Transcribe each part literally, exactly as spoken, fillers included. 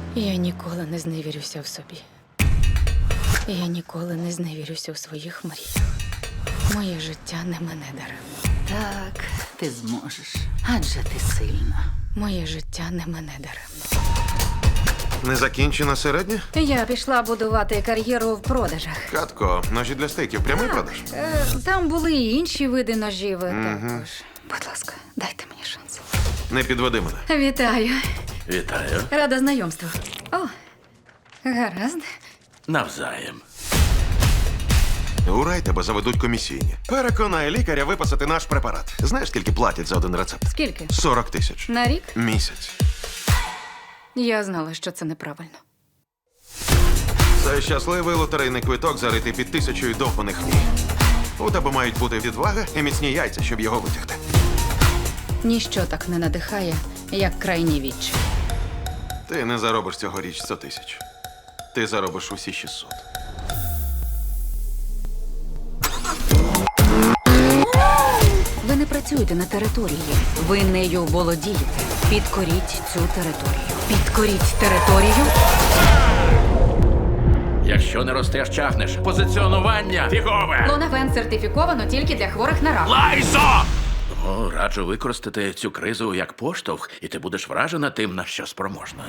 Я ніколи не зневірюся в собі. Я ніколи не зневірюся у своїх мріях. Моє життя не мене даремно. Так, ти зможеш. Адже ти сильна. Моє життя не мене даремно. Незакінчена середня? Я пішла будувати кар'єру в продажах. Катко, ножі для стейків, прямий продаж. Е, Там були і інші види ножів також. Будь ласка, дайте мені шанс. Не підведи мене. Вітаю. Вітаю. Рада знайомству. О, гаразд. Навзаєм. У рай тебе заведуть комісійні. Переконай лікаря виписати наш препарат. Знаєш, скільки платять за один рецепт? Скільки? сорок тисяч. На рік? Місяць. Я знала, що це неправильно. Це щасливий лотерейний квиток, заритий під тисячою довбаних мрій. У тебе мають бути відвага і міцні яйця, щоб його витягти. Ніщо так не надихає, як крайні відчай. Ти не заробиш цьогоріч сто тисяч. Ти заробиш усі шістсот. Ви не працюєте на території. Ви нею володієте. Підкоріть цю територію. Підкоріть територію. Якщо не ростеш, чахнеш. Позиціонування фігове. Лонавен сертифіковано тільки для хворих на рак. Лайзо! О, раджу використати цю кризу як поштовх, і ти будеш вражена тим, на що спроможна.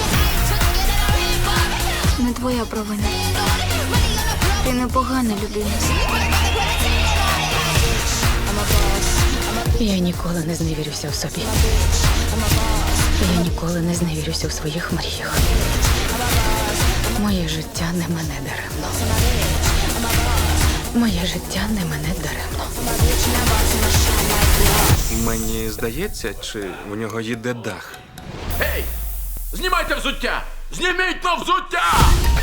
Не твоя провина. Ти непогана людина. Я ніколи не зневірюся в собі. Я ніколи не зневірюся в своїх мріях. Моє життя не мене даремно. Моє життя не мене даремно. Мені здається, чи в нього їде дах. Гей! Знімайте взуття! Зніміть то взуття!